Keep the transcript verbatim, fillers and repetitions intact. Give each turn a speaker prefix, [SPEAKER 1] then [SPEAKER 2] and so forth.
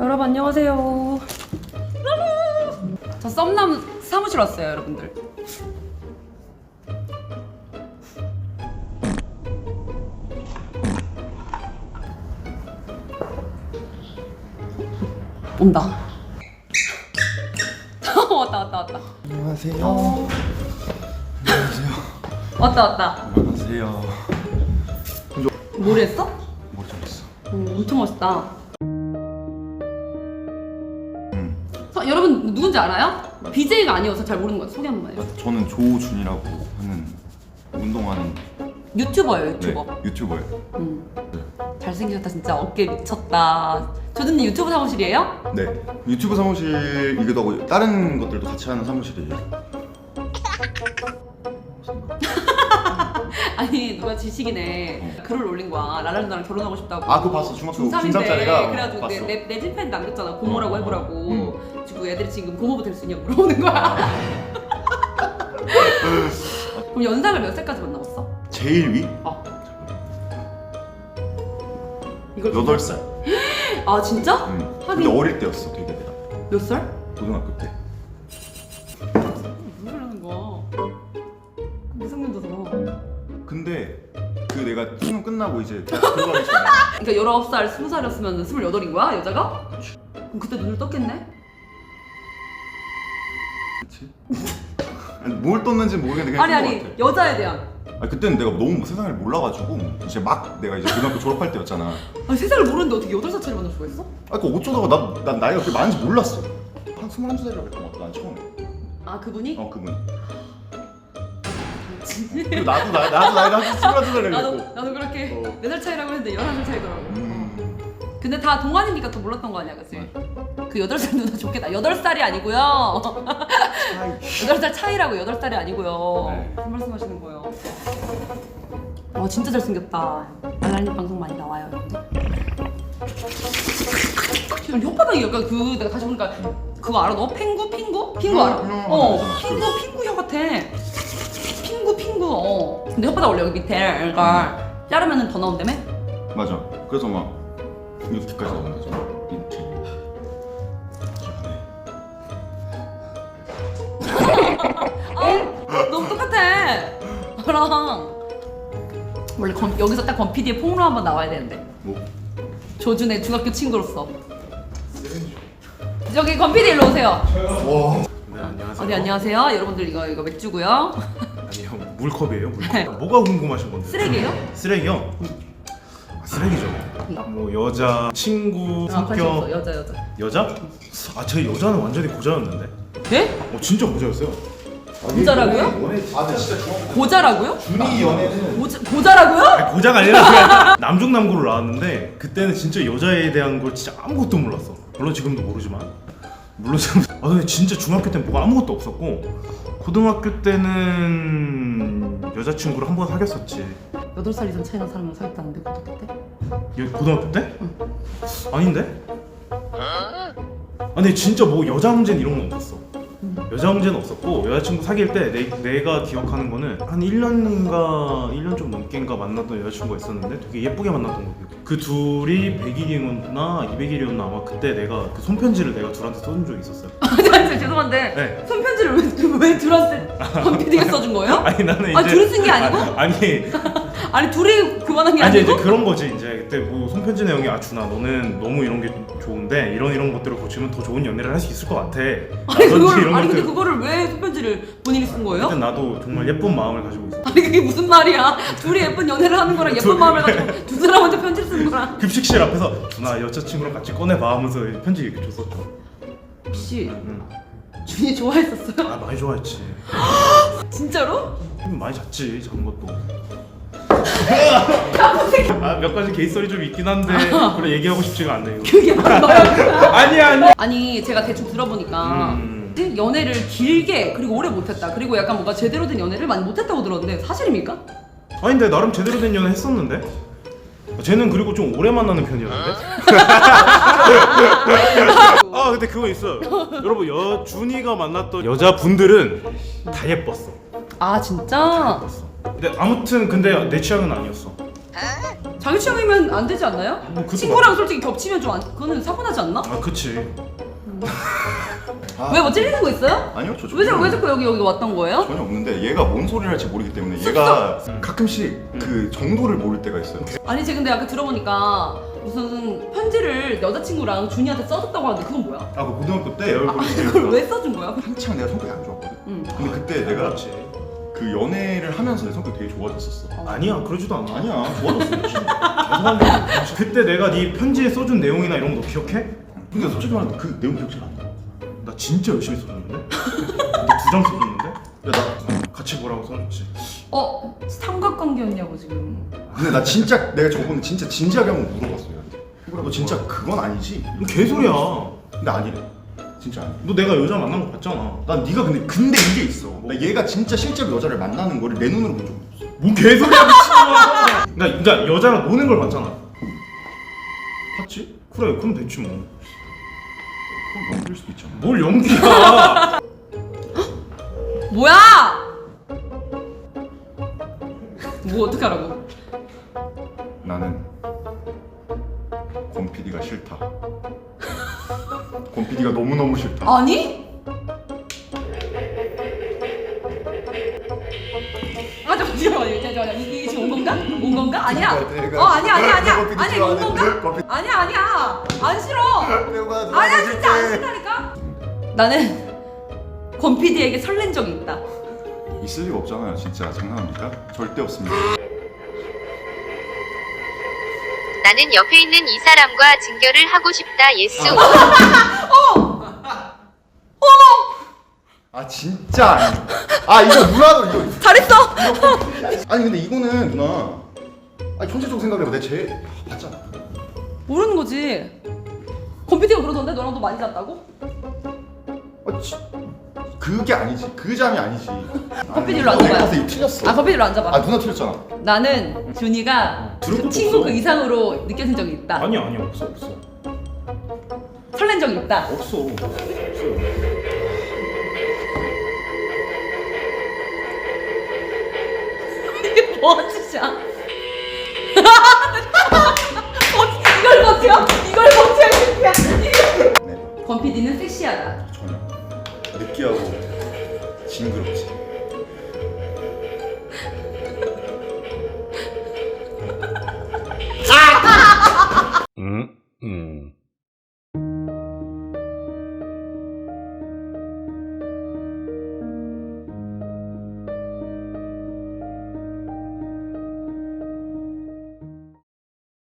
[SPEAKER 1] 여러분 안녕하세요. 저 썸남 사무실 왔어요, 여러분들. 온다. 왔다 왔다 왔다.
[SPEAKER 2] 안녕하세요.
[SPEAKER 1] 어.
[SPEAKER 2] 안녕하세요.
[SPEAKER 1] 왔다 왔다.
[SPEAKER 2] 안녕하세요.
[SPEAKER 1] 뭘 했어?
[SPEAKER 2] 뭐 잘했어?
[SPEAKER 1] 오, 엄청 멋있다.
[SPEAKER 2] 음.
[SPEAKER 1] 서, 여러분 누군지 알아요? 비제이가 아니어서 잘 모르는 것 같아요. 소개 한 번만 해요.
[SPEAKER 2] 저는 조준이라고 하는 운동하는
[SPEAKER 1] 유튜버예요, 유튜버.
[SPEAKER 2] 네, 유튜버예요.
[SPEAKER 1] 음. 잘생기셨다 진짜. 어깨 미쳤다. 조준님 유튜브 사무실이에요?
[SPEAKER 2] 네. 유튜브 사무실이기도 하고 다른 것들도 같이 하는 사무실이에요.
[SPEAKER 1] 아니 누가 지식이네 어. 글을 올린 거야. 라라랜드랑 결혼하고 싶다고.
[SPEAKER 2] 아, 그거 봤어. 중학교
[SPEAKER 1] 중삼인데
[SPEAKER 2] 중삼짜리가
[SPEAKER 1] 그래가지고
[SPEAKER 2] 봤어.
[SPEAKER 1] 내, 내, 내 찐팬 남겼잖아. 고모라고
[SPEAKER 2] 어,
[SPEAKER 1] 해보라고.
[SPEAKER 2] 음.
[SPEAKER 1] 지금 애들이 지금 고모부 될 수 있냐고 물어보는 거야. 그럼 연상을 몇 살까지 만나봤어?
[SPEAKER 2] 제일 위?
[SPEAKER 1] 어. 이걸
[SPEAKER 2] 여덟 살.
[SPEAKER 1] 아 진짜?
[SPEAKER 2] 응.
[SPEAKER 1] 하긴.
[SPEAKER 2] 근데 어릴 때였어, 되게 내가.
[SPEAKER 1] 몇 살?
[SPEAKER 2] 고등학교 때.
[SPEAKER 1] 무슨 소리 하는 거야? 미성년자잖아.
[SPEAKER 2] 근데 그 내가 수능 끝나고 이제 대학 들어가기 전에
[SPEAKER 1] 그러니까 열아홉 살, 스무 살이었으면 스물여덟인 거야, 여자가? 그럼 그때 눈을 떴겠네?
[SPEAKER 2] 그치? 아니, 뭘 떴는지 모르겠는데 그냥
[SPEAKER 1] 아니
[SPEAKER 2] 뜬것
[SPEAKER 1] 아니,
[SPEAKER 2] 같아.
[SPEAKER 1] 여자에 대한.
[SPEAKER 2] 아니, 그때는 내가 너무 세상을 몰라가지고 이제 막 내가 이제 고등학교 졸업할 때였잖아.
[SPEAKER 1] 아니 세상을 모르는데 어떻게 여덟 살짜리 만날 수가 있어?
[SPEAKER 2] 아, 그 어쩌다가 나, 난 나이가 그렇게 많은지 몰랐어. 한 스물한 살이라고 했던 것 같아, 난 처음에.
[SPEAKER 1] 아 그분이?
[SPEAKER 2] 어, 그분. 그리고 나도, 나, 나도 나이가 한 스물한 살이라고
[SPEAKER 1] 나도
[SPEAKER 2] 했고.
[SPEAKER 1] 나도 그렇게
[SPEAKER 2] 어.
[SPEAKER 1] 네 살 차이라고 했는데 열한 살 차이더라고.
[SPEAKER 2] 음.
[SPEAKER 1] 근데 다 동안이니까 더 몰랐던 거 아니야, 그치?
[SPEAKER 2] 맞아.
[SPEAKER 1] 그 여덟 살 누나 좋겠다. 여덟 살이 아니고요. 여덟 살 차이라고 여덟 살이 아니고요.
[SPEAKER 2] 네.
[SPEAKER 1] 무슨 말씀하시는 거예요? 와 진짜 잘생겼다. 알라님 방송 많이 나와요, 여러분들. 지금 혓바닥이 약간 그 내가 다시 보니까 그거 알아? 너 핑구 핑구? 핑구 알아?
[SPEAKER 2] 음, 음,
[SPEAKER 1] 어
[SPEAKER 2] 알잖아.
[SPEAKER 1] 핑구 핑구 혀 같아. 핑구 핑구. 어. 근데 혓바닥 원래 여기 밑에 이걸 자르면은 더 나온다며?
[SPEAKER 2] 맞아. 그래서 막 이렇게까지 나온 거죠. 이렇게.
[SPEAKER 1] 아 너무 똑같아. 너랑 원래 건, 여기서 딱 권피디의 폭로 한번 나와야 되는데.
[SPEAKER 2] 뭐?
[SPEAKER 1] 조준의 중학교 친구로서. 저기 권피디 일로 오세요.
[SPEAKER 2] 와.
[SPEAKER 3] 네, 안녕하세요.
[SPEAKER 1] 어디 안녕하세요. 여러분들 이거 이거 맥주고요.
[SPEAKER 3] 아니요, 물컵이에요. 물컵.
[SPEAKER 1] 네.
[SPEAKER 3] 뭐가 궁금하신 건데?
[SPEAKER 1] 쓰레기예요?
[SPEAKER 3] 쓰레기요? 아, 쓰레기죠. 뭐 여자, 친구,
[SPEAKER 1] 아, 관심 없어.
[SPEAKER 3] 성격,
[SPEAKER 1] 여자 여자.
[SPEAKER 3] 여자? 아, 제 여자는 완전히 고자였는데.
[SPEAKER 1] 네?
[SPEAKER 3] 어, 진짜 고자였어요.
[SPEAKER 1] 고자라고요?
[SPEAKER 2] 아, 근데 진짜 중학교
[SPEAKER 1] 고자라고요?
[SPEAKER 2] 준이 연애는
[SPEAKER 1] 고자, 고자라고요?
[SPEAKER 3] 아니, 고자가 아니라 그냥 남중남고를 나왔는데 그때는 진짜 여자에 대한 걸 진짜 아무것도 몰랐어. 물론 지금도 모르지만. 물론 지금 아 근데 진짜 중학교 때는 뭐가 아무것도 없었고 고등학교 때는 여자친구를 한 번 사귀었었지.
[SPEAKER 1] 여덟 살 이상 차이 난 사람이랑 사귀었다는데 고등학교 때?
[SPEAKER 3] 여, 고등학교 때? 아닌데? 아니 진짜 뭐 여자 문제는 이런 건 없었어. 여자 문제는 없었고 여자친구 사귈 때 내, 내가 기억하는 거는 한 일 년인가 일 년 좀 넘게인가 만났던 여자친구가 있었는데 되게 예쁘게 만났던 거 기억. 그 둘이 백 일이었나 이백 일이었나 아마 그때 내가 그 손편지를 내가 둘한테 써준 적이 있었어요.
[SPEAKER 1] 아니 아니 죄송한데
[SPEAKER 3] 네.
[SPEAKER 1] 손편지를 왜, 왜 둘한테 권피디가 써준 거예요?
[SPEAKER 3] 아니 나는 이제
[SPEAKER 1] 아 둘이 쓴 게 아니고?
[SPEAKER 3] 아니
[SPEAKER 1] 아니 둘이 그만한 게
[SPEAKER 3] 아니
[SPEAKER 1] 아니고?
[SPEAKER 3] 이제 그런 거지 이제 그때 뭐 손편지 내용이 아 준아 너는 너무 이런 게 좋은데 이런 이런 것들을 고치면 더 좋은 연애를 할 수 있을 것 같아.
[SPEAKER 1] 아니 그걸
[SPEAKER 3] 이런
[SPEAKER 1] 아니 근데
[SPEAKER 3] 것들.
[SPEAKER 1] 그거를 왜 손편지를 본인이 쓴 거예요?
[SPEAKER 3] 그때 나도 정말 예쁜 마음을 가지고 있어.
[SPEAKER 1] 아니 그게 무슨 말이야? 둘이 예쁜 연애를 하는 거랑 예쁜
[SPEAKER 3] 둘이-
[SPEAKER 1] 마음을 가지고 두 사람한테 편지를 쓰는 거랑
[SPEAKER 3] 급식실 앞에서 준아 여자친구랑 같이 꺼내봐 하면서 편지 이렇게 줬었죠.
[SPEAKER 1] 혹시
[SPEAKER 3] 응.
[SPEAKER 1] 준이 좋아했었어요?
[SPEAKER 3] 아 많이 좋아했지.
[SPEAKER 1] 진짜로?
[SPEAKER 3] 많이 잤지 작은 것도. 아, 몇 가지 개이썰이 좀 있긴 한데 그래 얘기하고 싶지가 않네요.
[SPEAKER 1] 그게 뭐야?
[SPEAKER 3] 아니야 아니야.
[SPEAKER 1] 아니 제가 대충 들어보니까
[SPEAKER 3] 음.
[SPEAKER 1] 연애를 길게 그리고 오래 못했다 그리고 약간 뭔가 제대로 된 연애를 많이 못했다고 들었는데 사실입니까?
[SPEAKER 3] 아니 근데 나름 제대로 된 연애 했었는데. 쟤는 그리고 좀 오래 만나는 편이었는데. 아 근데 그거 있어요. 여러분 여 준이가 만났던 여자분들은 다 예뻤어.
[SPEAKER 1] 아 진짜?
[SPEAKER 3] 예뻤어. 근데 아무튼 근데 내 취향은 아니었어.
[SPEAKER 1] 자기 취향이면 안 되지 않나요?
[SPEAKER 3] 뭐 그것도
[SPEAKER 1] 친구랑
[SPEAKER 3] 맞-
[SPEAKER 1] 솔직히 겹치면 좀 안, 그거는 사고 나지 않나?
[SPEAKER 3] 아 그치.
[SPEAKER 2] 아,
[SPEAKER 1] 왜 뭐 찔리는 거 있어요?
[SPEAKER 2] 아니요 저
[SPEAKER 1] 왜, 자-
[SPEAKER 2] 전혀
[SPEAKER 1] 왜 자꾸 여기 여기 왔던 거예요?
[SPEAKER 2] 전혀 없는데 얘가 뭔 소리를 할지 모르기 때문에 얘가
[SPEAKER 3] 음.
[SPEAKER 2] 가끔씩 그 정도를 모를 때가 있어요.
[SPEAKER 1] 아니 제가 근데 아까 들어보니까 무슨 편지를 여자친구랑 준이한테 써줬다고 하는데 그건 뭐야?
[SPEAKER 2] 아, 그 고등학교 때
[SPEAKER 3] 내 얼굴이
[SPEAKER 1] 아, 그걸 왜 써준 거야?
[SPEAKER 2] 한창 내가 성격이 안 좋았거든.
[SPEAKER 1] 응.
[SPEAKER 2] 근데 그때 내가
[SPEAKER 3] 그렇지.
[SPEAKER 2] 그 연애를 하면서 내 성격이 되게 좋아졌었어.
[SPEAKER 3] 아니야 그러지도 않아.
[SPEAKER 2] 아니야, 좋아졌어.
[SPEAKER 3] 죄송한데 그때 내가 네 편지에 써준 내용이나 이런 거 너 기억해?
[SPEAKER 2] 근데 솔직히 말하면 그 내용 기억 잘 안 나.
[SPEAKER 3] 나 진짜 열심히 써줬는데? 두 장 써줬는데?
[SPEAKER 2] 야, 나
[SPEAKER 3] 같이 보라고 써줬지.
[SPEAKER 1] 어? 삼각관계였냐고 지금.
[SPEAKER 2] 근데 나 진짜 내가 저번에 진짜 진지하게 한번 물어봤어 얘한테. 너 진짜 그건 아니지?
[SPEAKER 3] 너 개소리야.
[SPEAKER 2] 근데 아니래. 진짜 아니야.
[SPEAKER 3] 너 내가 여자 만난 거 봤잖아.
[SPEAKER 2] 난 네가 근데 근데 이게 있어. 나 얘가 진짜 실제로 여자를 만나는 거를 내 눈으로 본 적 없어.
[SPEAKER 3] 뭔 개소리야 미친놈아. 그러니까, 그러니까 여자랑 노는 걸 봤잖아.
[SPEAKER 2] 봤지?
[SPEAKER 3] 그래 그럼 됐지 뭐.
[SPEAKER 2] 그럼 넘길 수도 있잖아.
[SPEAKER 3] 뭘 연기야.
[SPEAKER 1] 뭐야? 뭐 어떻게 하라고?
[SPEAKER 2] 나는 권 피디가 싫다. 권 피디가 너무너무 싫다.
[SPEAKER 1] 아니? 아 잠시만요. 잠시만요. 이게 지금 온 건가? 온 건가? 아니야.
[SPEAKER 2] 내가-
[SPEAKER 1] 어 아니야 아니야 아니야.
[SPEAKER 2] 내가
[SPEAKER 1] 아니 이거 온 건가?
[SPEAKER 2] 커피-
[SPEAKER 1] 아니야 아니야. 안 싫어. 아니야 진짜 안 싫다니까. 나는 권 피디에게 설렌 적이 있다.
[SPEAKER 2] 있을 리가 없잖아요. 진짜 장난합니까? 절대 없습니다.
[SPEAKER 4] 나는 옆에 있는 이 사람과 진결을 하고 싶다. 예스.
[SPEAKER 2] 아 진짜 아니야. 아 이거 누나도 이거
[SPEAKER 1] 잘했어.
[SPEAKER 2] 아니 근데 이거는 누나 아니 현실적으로 생각해봐. 내가 제일 봤잖아.
[SPEAKER 1] 모르는 거지. 권 피디가 그러던데 너랑도 많이 잤다고?
[SPEAKER 2] 아, 지, 그게 아니지. 그 잠이 아니지.
[SPEAKER 1] 커피 딜로 앉아봐요.
[SPEAKER 2] 가서 이거 틀렸어.
[SPEAKER 1] 아 권 피디로 앉아봐.
[SPEAKER 2] 아 누나 틀렸잖아.
[SPEAKER 1] 나는 준이가
[SPEAKER 3] 들을
[SPEAKER 1] 그
[SPEAKER 3] 것도
[SPEAKER 1] 친구
[SPEAKER 3] 없어.
[SPEAKER 1] 그 이상으로 느껴진 적이 있다.
[SPEAKER 3] 아니야 아니야 없어 없어.
[SPEAKER 1] 설렌 적이 있다.
[SPEAKER 3] 없어. 없어.
[SPEAKER 1] 이게 뭐한 짓이야? 어떻게 이걸 버텨? 이걸 버텨 이 새끼야.
[SPEAKER 2] 네.
[SPEAKER 1] 권 피디는 섹시하다.
[SPEAKER 2] 전혀. 느끼하고 징그럽지.